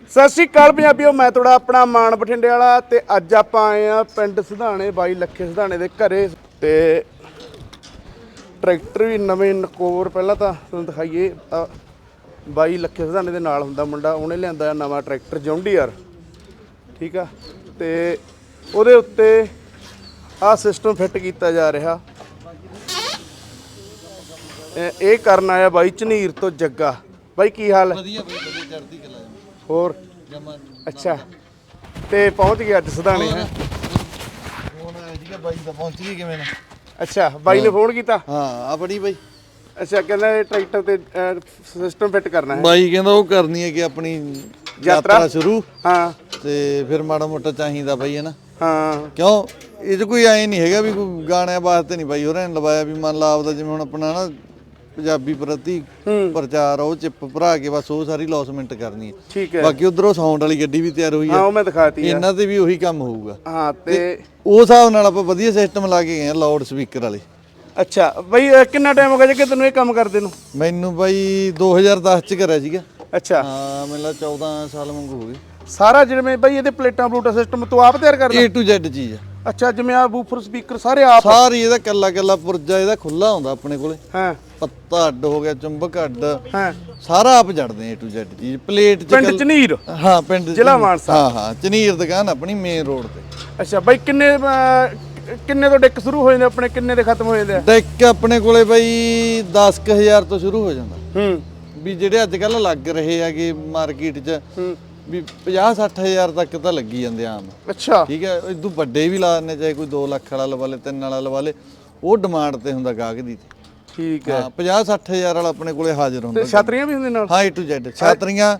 ਸਤਿ ਸ਼੍ਰੀ ਅਕਾਲ ਪੰਜਾਬੀਓ, ਮੈਂ ਤੁਹਾਡਾ ਆਪਣਾ ਮਾਨ ਬਠਿੰਡੇ ਵਾਲਾ ਤੇ ਅੱਜ ਆਪਾਂ ਆਏ ਆ ਪਿੰਡ ਸਿਧਾਣੇ ਬਾਈ ਲੱਖੇ ਸਿਧਾਣੇ ਦੇ ਘਰੇ ਤੇ ਟਰੈਕਟਰ ਵੀ ਨਵੇਂ ਨਕੋਰ ਪਹਿਲਾਂ ਤਾਂ ਤੁਹਾਨੂੰ ਦਿਖਾਈਏ। ਬਾਈ ਲੱਖੇ ਸਿਧਾਣੇ ਦੇ ਨਾਲ ਹੁੰਦਾ ਮੁੰਡਾ, ਉਹਨੇ ਲਿਆਂਦਾ ਨਵਾਂ ਟਰੈਕਟਰ ਜੌਂਡੀਆਰ, ਠੀਕ ਆ। ਤੇ ਉਹਦੇ ਉੱਤੇ ਆਹ ਸਿਸਟਮ ਫਿੱਟ ਕੀਤਾ ਜਾ ਰਿਹਾ। ਇਹ ਕਰਨ ਆਇਆ ਬਾਈ ਝਨੀਰ ਤੋਂ ਜੱਗਾ। ਬਾਈ ਕੀ ਹਾਲ ਹੈ? ਵਧੀਆ ਬਾਈ, ਵਧੀਆ ਚੜ੍ਹਦੀ ਕਲਾ ਹੋਰ ਜਮਾ। ਅੱਛਾ, ਤੇ ਪਹੁੰਚ ਗਿਆ ਅੱਜ ਸਿਧਾਣੇ ਹੈ। ਫੋਨ ਆਇਆ ਸੀਗਾ ਬਾਈ ਦਾ, ਪਹੁੰਚ ਗਈ ਕਿਵੇਂ ਨਾ? ਅੱਛਾ, ਬਾਈ ਨੇ ਫੋਨ ਕੀਤਾ। ਹਾਂ ਆ ਬੜੀ ਬਾਈ। ਅੱਛਾ, ਕਹਿੰਦਾ ਇਹ ਟਰੈਕਟਰ ਤੇ ਸਿਸਟਮ ਫਿੱਟ ਕਰਨਾ ਹੈ। ਬਾਈ ਕਹਿੰਦਾ ਉਹ ਕਰਨੀ ਹੈ ਕਿ ਆਪਣੀ ਯਾਤਰਾ ਸ਼ੁਰੂ। ਹਾਂ, ਤੇ ਫਿਰ ਮਾੜਾ ਮੋਟਾ ਚਾਹੀਦਾ ਬਾਈ ਹੈ ਨਾ। ਹਾਂ, ਕਿਉਂ ਇਹ 'ਚ ਕੋਈ ਐ ਨਹੀਂ ਹੈਗਾ ਵੀ ਕੋਈ ਗਾਣਿਆਂ ਵਾਸਤੇ ਨਹੀਂ ਬਾਈ ਹੋਰਾਂ ਨੇ ਲਵਾਇਆ, ਵੀ ਮੰਨ ਲਾ ਆਪਦਾ ਜਿਵੇਂ ਹੁਣ ਆਪਣਾ ਨਾ ਪੰਜਾਬੀ ਪ੍ਰਤੀ ਪ੍ਰਚਾਰ ਉਹ ਚਿੱਪ ਭਰਾ ਕੇ ਬਸ ਉਹ ਸਾਰੀ ਲੌਸਮੈਂਟ ਕਰਨੀ ਹੈ। ਠੀਕ ਹੈ। ਬਾਕੀ ਉਧਰੋਂ ਸਾਊਂਡ ਵਾਲੀ ਗੱਡੀ ਵੀ ਤਿਆਰ ਹੋਈ ਹਾਂ, ਹੈ, ਉਹ ਮੈਂ ਦਿਖਾਤੀ ਆ। ਇਹਨਾਂ ਤੇ ਵੀ ਉਹੀ ਕੰਮ ਹੋਊਗਾ। ਹਾਂ, ਤੇ ਉਸ ਹਿਸਾਬ ਨਾਲ ਆਪਾਂ ਵਧੀਆ ਸਿਸਟਮ ਲਾ ਕੇ ਗਏ ਆ, ਲਾਊਡ ਸਪੀਕਰ ਵਾਲੇ। ਅੱਛਾ ਬਾਈ, ਕਿੰਨਾ ਟਾਈਮ ਹੋ ਗਿਆ ਜੇ ਤੈਨੂੰ ਇਹ ਕੰਮ ਕਰਦੇ ਨੂੰ? ਮੈਨੂੰ ਬਾਈ 2010 ਚ ਕਰਿਆ ਸੀਗਾ। ਅੱਛਾ, ਹਾਂ ਮੈਨੂੰ 14 ਸਾਲ ਵਾਂਗੂ ਹੋ ਗਏ। ਸਾਰਾ ਜਿਵੇਂ ਬਾਈ ਇਹਦੇ ਪਲੇਟਾਂ ਪਲੂਟਾ ਸਿਸਟਮ ਤੂੰ ਆਪ ਤਿਆਰ ਕਰਦਾ? A to Z ਚੀਜ਼ ਆ ਅੱਛਾ, ਜਿਵੇਂ ਆ ਬੂਫਰ ਸਪੀਕਰ ਸਾਰੇ ਆਪ? ਸਾਰੀ ਇਹਦਾ ਕੱਲਾ ਕੱਲਾ ਪੁਰਜਾ ਇਹਦਾ ਖੁੱਲਾ ਹੁੰਦਾ ਆਪਣੇ ਕੋਲੇ। ਹਾਂ, ਪੱਤਾ ਅੱਡ ਹੋ ਗਿਆ, ਚੁੰਬਕ ਅੱਡ, ਹਾਂ, ਸਾਰਾ ਆਪ ਜੜਦੇ A to Z ਚੀਜ਼। ਪਲੇਟ ਚ ਪਿੰਡ ਝਨੀਰ? ਹਾਂ ਪਿੰਡ ਜ਼ਿਲ੍ਹਾ ਮਾਨਸਾ। ਹਾਂ ਹਾਂ ਝਨੀਰ ਦੁਕਾਨ ਆਪਣੀ ਮੇਨ ਰੋਡ ਤੇ। ਅੱਛਾ ਬਾਈ, ਕਿੰਨੇ ਤੋਂ ਡਿੱਕ ਸ਼ੁਰੂ ਹੋ ਜਾਂਦੇ ਆਪਣੇ, ਕਿੰਨੇ ਦੇ ਖਤਮ ਹੋ ਜਾਂਦੇ ਆ? ਡੈਕ ਆਪਣੇ ਕੋਲੇ ਬਾਈ 10,000 ਤੋਂ ਸ਼ੁਰੂ ਹੋ ਜਾਂਦਾ। ਵੀ ਜਿਹੜੇ ਅੱਜ ਕੱਲ ਲੱਗ ਰਹੇ ਹੈਗੇ ਮਾਰਕੀਟ 'ਚ ਵੀ 50-60,000 ਤੱਕ ਤਾਂ ਲੱਗੀ ਜਾਂਦੇ ਆਮ। ਅੱਛਾ, ਠੀਕ ਹੈ। ਇਦੋਂ ਵੱਡੇ ਵੀ ਲਾ ਦਿੰਦੇ, ਚਾਹੇ ਕੋਈ 2 ਲੱਖ ਵਾਲਾ ਲਵਾ ਲੇ, 3 ਵਾਲਾ ਲਵਾ ਲੇ, ਉਹ ਡਿਮਾਂਡ ਤੇ ਹੁੰਦਾ ਗਾਹਕ ਦੀ। ਠੀਕ ਹੈ। 50-60,000 ਵਾਲਾ ਆਪਣੇ ਕੋਲੇ ਹਾਜ਼ਰ ਹੁੰਦਾ। ਛਾਤਰੀਆਂ ਵੀ ਹੁੰਦੇ ਨਾਲ? ਹਾਂ A to Z ਛਾਤਰੀਆਂ,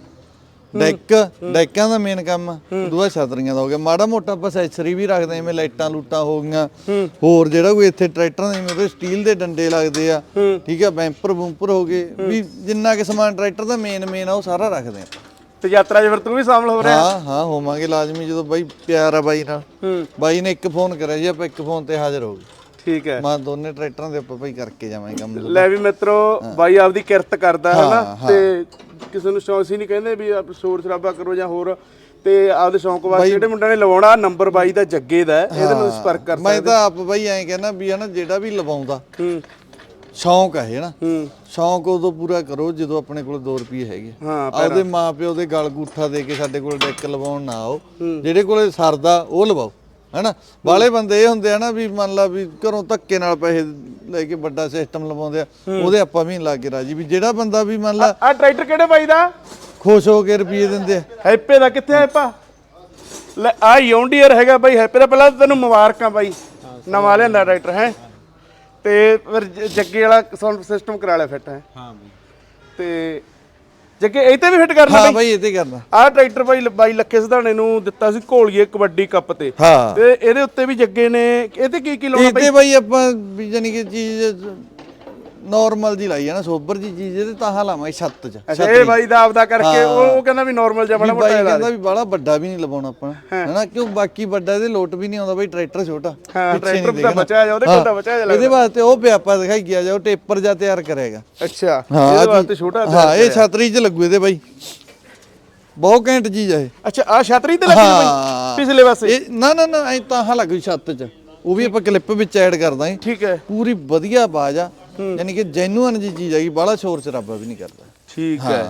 ਡੈਕਾਂ ਦਾ ਮੇਨ ਕੰਮ। ਦੂਆ ਛਾਤਰੀਆਂ ਦਾ ਹੋ ਗਿਆ, ਮਾੜਾ ਮੋਟਾ ਆਪਾਂ ਐਕਸੈਸਰੀ ਵੀ ਰੱਖਦੇ, ਜਿਵੇਂ ਲਾਈਟਾਂ ਲੂਟਾਂ ਹੋ ਗਈਆਂ, ਹੋਰ ਜਿਹੜਾ ਕੋਈ ਇੱਥੇ ਟਰੈਕਟਰਾਂ ਦੇ ਜਿਵੇਂ ਸਟੀਲ ਦੇ ਡੰਡੇ ਲੱਗਦੇ ਆ, ਠੀਕ ਹੈ, ਬੈਂਪਰ ਬੂੰਪਰ ਹੋ ਗਏ, ਵੀ ਜਿੰਨਾ ਕਿ ਸਮਾਨ ਟਰੈਕਟਰ ਦਾ ਮੇਨ ਆ ਉਹ ਸਾਰਾ ਰੱਖਦੇ ਆ। ਤੇ ਯਾਤਰਾ 'ਚ ਫਿਰ ਤੂੰ ਵੀ ਸ਼ਾਮਲ ਹੋ ਰਿਹਾ? ਹਾਂ ਹੋਵਾਂਗੇ ਲਾਜ਼ਮੀ, ਜਦੋਂ ਬਾਈ ਪਿਆਰ ਆ ਬਾਈ ਨਾਲ। ਬਾਈ ਨੇ ਇੱਕ ਫੋਨ ਕਰਿਆ ਜੀ, ਆਪਾਂ ਇੱਕ ਫੋਨ ਤੇ ਹਾਜ਼ਰ ਹੋ ਗਏ। ਠੀਕ ਹੈ। ਮੈਂ ਦੋਨੇ ਟਰੈਕਟਰਾਂ ਦੇ ਆਪਾਂ ਬਾਈ ਕਰਕੇ ਜਾਵਾਂਗੇ ਕੰਮ। ਲੈ ਵੀ ਮਿੱਤਰੋ, ਬਾਈ ਆਪਦੀ ਕਿਰਤ ਕਰਦਾ ਹੈ ਨਾ, ਤੇ ਕਿਸੇ ਨੂੰ ਸ਼ੌਂਕ ਸੀ ਨਹੀਂ ਕਹਿੰਦੇ ਵੀ ਸ਼ੋਰ ਸ਼ਰਾਬਾ ਕਰੋ ਜਾਂ ਹੋਰ, ਤੇ ਆਪਦੇ ਸ਼ੌਂਕ ਵਾਸਤੇ ਜਿਹੜੇ ਮੁੰਡਿਆਂ ਨੇ ਲਵਾਉਣਾ, ਨੰਬਰ ਬਾਈ ਦਾ ਜੱਗੇ ਦਾ, ਇਹਦੇ ਨਾਲ ਸੰਪਰਕ ਕਰ ਸਕਦੇ। ਮੈਂ ਤਾਂ ਆਪ ਬਾਈ ਐਂ ਕਹਿੰਦਾ ਵੀ ਹਨਾ, ਜਿਹੜਾ ਵੀ ਲਵਾਉਂਦਾ ਸ਼ੌਂਕ ਹੈ ਨਾ, ਸ਼ੌਂਕ ਉਦੋਂ ਪੂਰਾ ਕਰੋ ਜਦੋਂ ਆਪਣੇ ਕੋਲ 2 ਰੁਪਏ ਹੈਗੇ। ਆਪਦੇ ਮਾਂ ਪਿਓ ਦੇ ਗਲ ਗੂਠਾ ਦੇ ਕੇ ਸਾਡੇ ਕੋਲ ਡੈਕ ਲਵਾਉਣ ਨਾ ਆਓ, ਜਿਹੜੇ ਕੋਲੇ ਸਰਦਾ ਉਹ ਲਵਾਓ, ਹੈਨਾ। ਬਾਲੇ ਬੰਦੇ ਇਹ ਹੁੰਦੇ ਆ ਨਾ ਵੀ ਮੰਨ ਲਾ ਵੀ ਘਰੋਂ ਧੱਕੇ ਨਾਲ ਪੈਸੇ ਲੈ ਕੇ ਵੱਡਾ ਸਿਸਟਮ ਲਵਾਉਂਦੇ ਆ, ਉਹਦੇ ਆਪਾਂ ਵੀ ਲਾ ਕੇ ਰਾਜੀ। ਵੀ ਜਿਹੜਾ ਬੰਦਾ ਵੀ ਮੰਨ ਲਾ ਆ ਟਰੈਕਟਰ ਕਿਹੜੇ ਬਾਈ ਦਾ ਖੁਸ਼ ਹੋ ਕੇ ਰੁਪਏ ਦਿੰਦੇ ਆ। ਹੈਪੇ ਦਾ ਕਿੱਥੇ? ਹੈਪਾ ਲੈ, ਆ ਜੌਂਡੀਆਰ ਹੈਗਾ ਬਾਈ ਹੈਪੇ ਦਾ। ਪਹਿਲਾਂ ਤੈਨੂੰ ਮੁਬਾਰਕਾਂ ਬਾਈ, ਨਵਾਂ ਲਿਆਂਦਾ ਟਰੈਕਟਰ ਹੈ, ਤੇ ਫਿਰ ਜੱਗੇ ਵਾਲਾ ਸਾਊਂਡ ਸਿਸਟਮ ਕਰਾ ਲਿਆ ਫਿੱਟ ਹੈ। ਹਾਂ ਬਾਈ, ਤੇ ਜੱਗੇ ਇਹ ਤੇ ਵੀ ਫਿੱਟ ਕਰਨਾ? ਹਾਂ ਬਾਈ ਇਹ ਤੇ ਕਰਨਾ। ਆਹ ਟਰੈਕਟਰ ਬਾਈ ਲੱਖੇ ਸਿਧਾਣੇ ਨੂੰ ਦਿੱਤਾ ਸੀ ਘੋਲੀਏ ਕਬੱਡੀ ਕੱਪ ਤੇ, ਤੇ ਇਹਦੇ ਉੱਤੇ ਵੀ ਜੱਗੇ ਨੇ ਇਹਦੇ ਕੀ ਲਾਉਣਾ ਬਾਈ? ਇਹਦੇ ਬਾਈ ਆਪਾਂ ਵੀ ਜਾਨੀ ਕਿ ਚੀਜ਼ ਨਾਰਮਲ ਜੀ ਲਾਈ ਆ ਨਾ, ਸੋਬਰ ਜੀ ਚੀਜ਼, ਇਹਦੇ ਤਾਂ ਲਾਵਾਂਗੇ ਛੱਤ 'ਚ। ਅੱਛਾ, ਇਹ ਬਾਈ ਦਾ ਆਪਦਾ ਕਰਕੇ ਉਹ ਕਹਿੰਦਾ ਵੀ ਨਾਰਮਲ ਜਿਹਾ ਬਣਾ ਮੋਟਾ ਕਹਿੰਦਾ ਵੀ ਬਾਹਲਾ ਵੱਡਾ ਵੀ ਨਹੀਂ ਲਵਾਉਣਾ ਆਪਾਂ, ਹੈਨਾ, ਕਿਉਂ ਬਾਕੀ ਵੱਡਾ ਇਹਦੇ ਲੋਟ ਵੀ ਨਹੀਂ ਆਉਂਦਾ ਬਾਈ, ਟਰੈਕਟਰ ਛੋਟਾ। ਟਰੈਕਟਰ ਦਾ ਬਚਿਆ ਜਾ, ਉਹਦੇ ਕੋਲ ਤਾਂ ਬਚਿਆ ਜਾ। ਇਹਦੇ ਵਾਸਤੇ ਉਹ ਪਿਆ ਆਪਾਂ ਦਿਖਾਈ ਗਿਆ ਜਾ, ਉਹ ਟੇਪਰ ਜਾਂ ਤਿਆਰ ਕਰੇਗਾ। ਅੱਛਾ, ਇਹਦੇ ਵਾਸਤੇ ਛੋਟਾ। ਹਾਂ, ਇਹ ਛਤਰੀ 'ਚ ਲੱਗੂ ਇਹਦੇ ਬਾਈ, ਬਹੁਤ ਘੈਂਟ ਚੀਜ਼ ਆ ਇਹ। ਅੱਛਾ, ਆ ਛਤਰੀ ਤੇ ਲੱਗੀ ਬਾਈ ਪਿਛਲੇ ਪਾਸੇ? ਨਾ ਐ ਤਾਂ ਲੱਗ ਛੱਤ 'ਚ, ਉਹ ਵੀ ਆਪਾਂ ਕਲਿੱਪ ਵਿੱਚ ਐਡ ਕਰਦਾ। ਠੀਕ ਹੈ। ਪੂਰੀ ਵਧੀਆ ਆਵਾਜ਼ ਆ, ਯਾਨੀ ਕਿ ਜੈਨੂਅਨ ਜੀ ਚੀਜ਼ ਹੈਗੀ, ਬਾਹਲਾ ਸ਼ੋਰ ਸ਼ਰਾਬਾ ਵੀ ਨਹੀਂ ਕਰਦਾ। ਠੀਕ ਹੈ।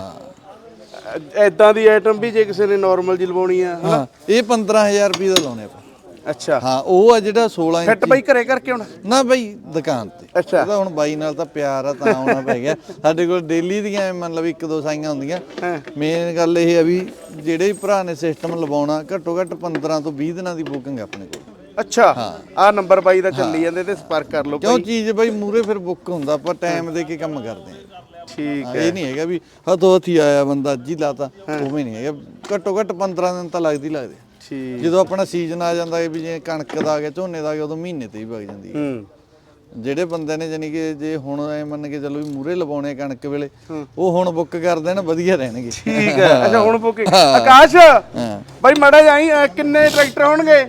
ਐਦਾਂ ਦੀ ਆਈਟਮ ਵੀ ਜੇ ਕਿਸੇ ਨੇ ਨਾਰਮਲ ਜੀ ਲਵਾਉਣੀ ਆ? ਹਾਂ, ਇਹ 15,000 ਰੁਪਏ ਦਾ ਲਾਉਣੇ ਆਪਾਂ। ਅੱਛਾ, ਹਾਂ, ਉਹ ਆ ਜਿਹੜਾ 16 ਇੰਚ ਫਿੱਟ ਬਾਈ ਘਰੇ ਕਰਕੇ ਹੁਣ? ਨਾ ਬਾਈ ਦੁਕਾਨ ਤੇ। ਅੱਛਾ, ਉਹਦਾ ਹੁਣ ਬਾਈ ਨਾਲ ਤਾਂ ਪਿਆਰ ਆ ਤਾਂ ਆਉਣਾ ਪੈ ਗਿਆ। ਸਾਡੇ ਕੋਲ ਡੇਲੀ ਦੀਆਂ ਮੰਨ ਲਓ 1-2 ਸਾਈਆਂ ਹੁੰਦੀਆਂ। ਮੇਨ ਗੱਲ ਇਹ ਆ ਵੀ ਜਿਹੜੇ ਵੀ ਭਰਾ ਨੇ ਸਿਸਟਮ ਲਵਾਉਣਾ, ਘੱਟੋ ਘੱਟ 15 ਤੋਂ 20 ਦਿਨਾਂ ਦੀ ਬੁਕਿੰਗ ਆਪਣੇ ਕੋਲ। ਅੱਛਾ, ਆ ਨੰਬਰ ਬਾਈ ਦਾ ਚੱਲੀ ਜਾਂਦੇ ਤੇ ਸੰਪਰਕ ਕਰ ਲਓ। ਕਿਉਂ ਚੀਜ਼ ਬਾਈ ਮੂਰੇ ਫਿਰ ਬੁੱਕ ਹੁੰਦਾ, ਆਪਾਂ ਟਾਈਮ ਦੇ ਕੇ ਕੰਮ ਕਰਦੇ ਆ। ਠੀਕ ਹੈ। ਇਹ ਨਹੀਂ ਹੈਗਾ ਵੀ ਹੱਥੋਂ ਹੱਥੀ ਆਇਆ ਬੰਦਾ ਅੱਜ ਹੀ ਲਾਤਾ, ਉਵੇਂ ਨਹੀਂ ਹੈਗਾ। ਘੱਟੋ ਘੱਟ 15 ਦਿਨ ਤਾਂ ਲੱਗਦੇ। ਠੀਕ, ਜਦੋਂ ਆਪਣਾ ਸੀਜ਼ਨ ਆ ਜਾਂਦਾ ਵੀ ਜੇ ਕਣਕ ਦਾ ਆ ਗਿਆ, ਝੋਨੇ ਦਾ ਆ ਗਿਆ, ਉਦੋਂ ਮਹੀਨੇ ਤੇ ਹੀ ਵਗ ਜਾਂਦੀ ਹੈ। ਜਿਹੜੇ ਬੰਦੇ ਨੇ ਜਾਨੀ ਕਿ ਜੇ ਹੁਣ ਐ ਮੰਨ ਕੇ ਚੱਲੋ ਵੀ ਮੂਰੇ ਲਵਾਉਣੇ ਕਣਕ ਵੇਲੇ, ਉਹ ਹੁਣ ਬੁੱਕ ਕਰ ਦੇਣ, ਵਧੀਆ ਰਹਿਣਗੇ। ਠੀਕ ਹੈ। ਅੱਛਾ, ਹੁਣ ਬੁੱਕ। ਆਕਾਸ਼ ਬਾਈ ਮਾੜਾ ਜਾਈ, ਕਿੰਨੇ ਟਰੈਕਟਰ ਹੋਣਗੇ?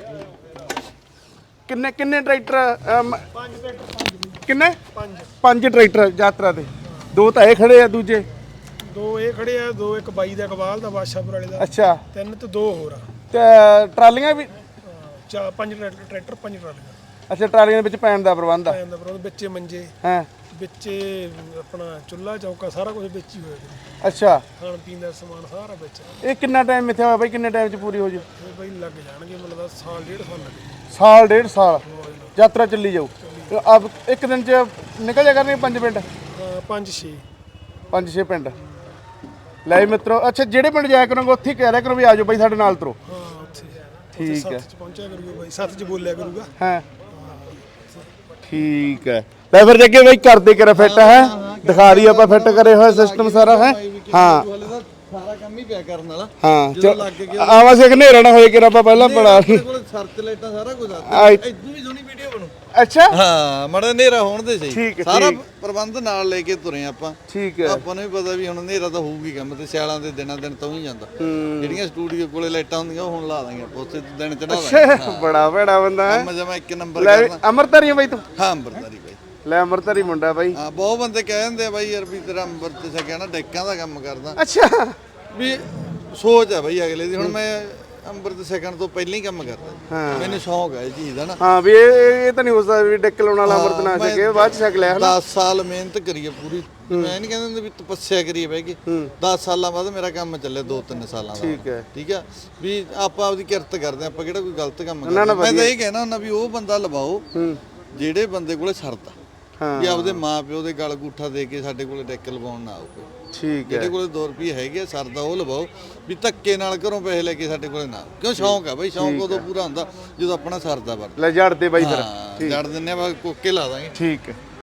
ਕਿੰਨੇ ਟਰੈਕਟਰ? 5 ਟਰੈਕਟਰ ਯਾਤਰਾ ਦੇ। 2 ਤਾਂ ਇਹ ਖੜੇ ਆ, ਦੂਜੇ ਦੋ ਇਹ ਖੜੇ ਆ, ਦੋ ਇੱਕ ਬਾਈ ਦਾ ਇਕਬਾਲ ਦਾ ਬਾਦਸ਼ਾਹਪੁਰ ਵਾਲੇ ਦਾ, ਅੱਛਾ 3 ਤੇ 2 ਹੋਰ ਆ, ਤੇ ਟਰਾਲੀਆਂ ਵੀ 5 ਟਰੈਕਟਰ 5 ਟਰਾਲੀਆਂ ਅੱਛਾ ਟਰਾਲੀਆਂ ਦੇ ਵਿੱਚ ਪੈਣ ਦਾ ਪ੍ਰਬੰਧ ਆ ਜਾਂਦਾ, ਪਰ ਉਹਦੇ ਵਿੱਚੇ ਮੰਜੇ, ਹਾਂ ਵਿੱਚੇ ਆਪਣਾ ਚੁੱਲ੍ਹਾ ਚੌਕਾ ਸਾਰਾ ਕੁਝ ਵਿੱਚ ਹੀ ਹੋਇਆ, ਅੱਛਾ ਖਾਣ ਪੀਣ ਦਾ ਸਮਾਨ ਸਾਰਾ ਵਿੱਚ। ਇਹ ਕਿੰਨਾ ਟਾਈਮ ਇੱਥੇ ਹੋਇਆ ਬਾਈ, ਕਿੰਨੇ ਟਾਈਮ 'ਚ ਪੂਰੀ ਹੋ ਜੂ? ਇਹ ਬਾਈ ਲੱਗ ਜਾਣਗੇ ਮਤਲਬ ਸਾਲ ਡੇਢ ਸਾਲ ਲੱਗੇ। ਸਾਲ ਡੇਢ ਸਾਲ ਯਾਤਰਾ ਚੱਲੀ ਜਾਊ। ਅਬ ਇੱਕ ਦਿਨ 'ਚ ਨਿਕਲ ਜਾ ਕਰਨਗੇ 5 ਪਿੰਡ, 5-6 5-6 ਪਿੰਡ। ਲੈ ਵੀ ਮਿੱਤਰੋ, ਅੱਛਾ ਜਿਹੜੇ ਪਿੰਡ ਜਾਇਆ ਕਰੋਗੇ ਉੱਥੇ ਹੀ ਕਹਿ ਰਿਹਾ ਕਰੋ ਵੀ ਆਜੋ ਬਾਈ ਸਾਡੇ ਨਾਲ ਤੁਰੋ। ਹਾਂ ਉੱਥੇ ਠੀਕ ਹੈ, 7 ਚ ਪਹੁੰਚਿਆ ਕਰੂਗਾ ਬਾਈ, 7 ਚ ਬੋਲਿਆ ਕਰੂਗਾ। ਹਾਂ ਠੀਕ ਹੈ। ਲੈ ਫਿਰ ਜੱਗੇ ਬਾਈ ਕਰਦੇ ਕਰਾ ਫਿੱਟ ਹੈ, ਦਿਖਾ ਰਹੀ ਆਪਾਂ ਫਿੱਟ ਕਰੇ ਹੋਏ ਸਿਸਟਮ ਸਾਰਾ ਹੈ। ਹਾਂ ਸਾਰਾ ਕੰਮ ਹੀ ਪਿਆ ਕਰਨ ਵਾਲਾ। ਹਾਂ ਜਦੋਂ ਲੱਗ ਗਿਆ ਆਵਾਂ ਸੀ ਹਨੇਰਾ ਨਾ ਹੋਏ ਕਿ ਆਪਾਂ ਪਹਿਲਾਂ ਬਣਾ ਲਈ। ਕੋਲ ਸਰਚ ਲਾਈਟਾਂ ਸਾਰਾ ਕੁਝ ਆ, ਇਦੋਂ ਵੀ ਸੋਹਣੀ ਵੀਡੀਓ ਬਣੂ। ਅੱਛਾ ਹਾਂ ਮੜਾ ਹਨੇਰਾ ਹੋਣ ਦੇ ਠੀਕ ਸਹੀ, ਹੈ, ਸਾਰਾ ਪ੍ਰਬੰਧ ਨਾਲ ਲੈ ਕੇ ਤੁਰੇ ਆਪਾਂ। ਠੀਕ ਹੈ। ਆਪਾਂ ਨੂੰ ਵੀ ਪਤਾ ਵੀ ਹੁਣ ਹਨੇਰਾ ਤਾਂ ਹੋਊਗੀ ਕੰਮ ਤੇ, ਸਿਆਲਾਂ ਦੇ ਦਿਨਾਂ ਦਿਨ ਤੋਂ ਹੀ ਜਾਂਦਾ। ਜਿਹੜੀਆਂ ਸਟੂਡੀਓ ਕੋਲੇ ਲਾਈਟਾਂ ਹੁੰਦੀਆਂ ਉਹ ਹੁਣ ਲਾ ਦਾਂਗੇ ਆਪਾਂ, ਉੱਥੇ ਦਿਨ ਚੜਾ ਦਾਂਗੇ। ਬੜਾ ਭੈੜਾ ਬੰਦਾ ਹੈ। ਕੰਮ ਜਮਾ ਇੱਕ ਨੰਬਰ ਲੈ ਕਰਨਾ। ਅਮਰਤਾਰੀ ਆ ਬਾਈ ਤੂੰ? ਹਾਂ ਅੰਬਰਦਾਰੀ ਬਾਈ। ਲੈ ਅਮਰਤਾਰੀ ਮੁੰਡਾ ਬਾਈ। ਹਾਂ ਬਹੁਤ ਬੰਦੇ ਕਹਿ ਦਿੰਦੇ ਆ ਬਾਈ ਯਾਰ ਵੀ ਤੇਰਾ ਅੰਮ੍ਰਿਤ ਛਕਿਆ ਨਾ, ਡੈਕਾਂ ਦਾ ਕੰਮ ਕਰਦਾ। ਅੱਛਾ ਵੀ ਸੋਚ ਆ ਬਾਈ ਅਗਲੇ ਦੀ। ਹੁਣ ਮੈਂ ਅੰਮ੍ਰਿਤ ਛਕਣ ਤੋਂ ਪਹਿਲਾਂ ਹੀ ਕੰਮ ਕਰਦਾ, ਮੈਨੂੰ ਸ਼ੌਂਕ ਹੈ ਇਹ ਚੀਜ਼ ਦਾ ਨਾ। ਹਾਂ ਵੀ ਇਹ ਤਾਂ ਨਹੀਂ ਹੋ ਸਕਦਾ ਵੀ ਡਿੱਕ ਲਾਉਣ ਵਾਲਾ ਅੰਮ੍ਰਿਤ ਨਾ ਛਕੇ ਬਾਅਦ ਚ ਛਕ ਲਿਆ ਹਨਾ। 10 ਸਾਲ ਮਿਹਨਤ ਕਰੀਏ ਪੂਰੀ, ਮੈਂ ਨਹੀਂ ਕਹਿੰਦਾ ਹੁੰਦਾ ਵੀ ਤਪੱਸਿਆ ਕਰੀਏ ਬਹਿ ਕੇ। 10 ਸਾਲਾਂ ਬਾਅਦ ਮੇਰਾ ਕੰਮ ਚੱਲੇ 2-3 ਸਾਲਾਂ ਦਾ। ਠੀਕ ਹੈ। ਠੀਕ ਆ ਵੀ ਆਪਾਂ ਆਪਦੀ ਕਿਰਤ ਕਰਦੇ ਆਪਾਂ ਕਿਹੜਾ ਕੋਈ ਗਲਤ ਕੰਮ ਕਰਦੇ। ਮੈਂ ਤਾਂ ਇਹ ਕਹਿਣਾ ਹੁੰਦਾ ਵੀ ਉਹ ਬੰਦਾ ਲਵਾਓ ਜਿਹੜੇ ਬੰਦੇ ਕੋਲੇ ਸਰਦਾ, ਵੀ ਆਪਦੇ ਮਾਂ ਪਿਓ ਦੇ ਗਲ ਗੂਠਾ ਦੇ ਕੇ ਸਾਡੇ ਕੋਲੇ ਡੈਕ ਲਵਾਉਣ ਨਾ ਆਓ। ਠੀਕ ਹੈ। ਜਿਹੜੇ ਕੋਲੇ 2 ਰੁਪਏ ਹੈਗੇ ਸਰਦਾ ਉਹ ਲਵਾਓ, ਵੀ ਧੱਕੇ ਨਾਲ ਘਰੋਂ ਪੈਸੇ ਲੈ ਕੇ ਸਾਡੇ ਕੋਲੇ ਨਾ। ਕਿਉਂ ਸ਼ੌਂਕ ਆ ਬਾਈ, ਸ਼ੌਂਕ ਉਦੋਂ ਪੂਰਾ ਹੁੰਦਾ ਜਦੋਂ ਆਪਣਾ ਸਰਦਾ ਵਰਤ। ਲੈ ਜੜ ਦੇ ਬਾਈ ਫਿਰ ਜੜ ਦਿੰਨੇ ਆ, ਕੋਕੇ ਲਾ ਦਾਂਗੇ। ਠੀਕ ਹੈ।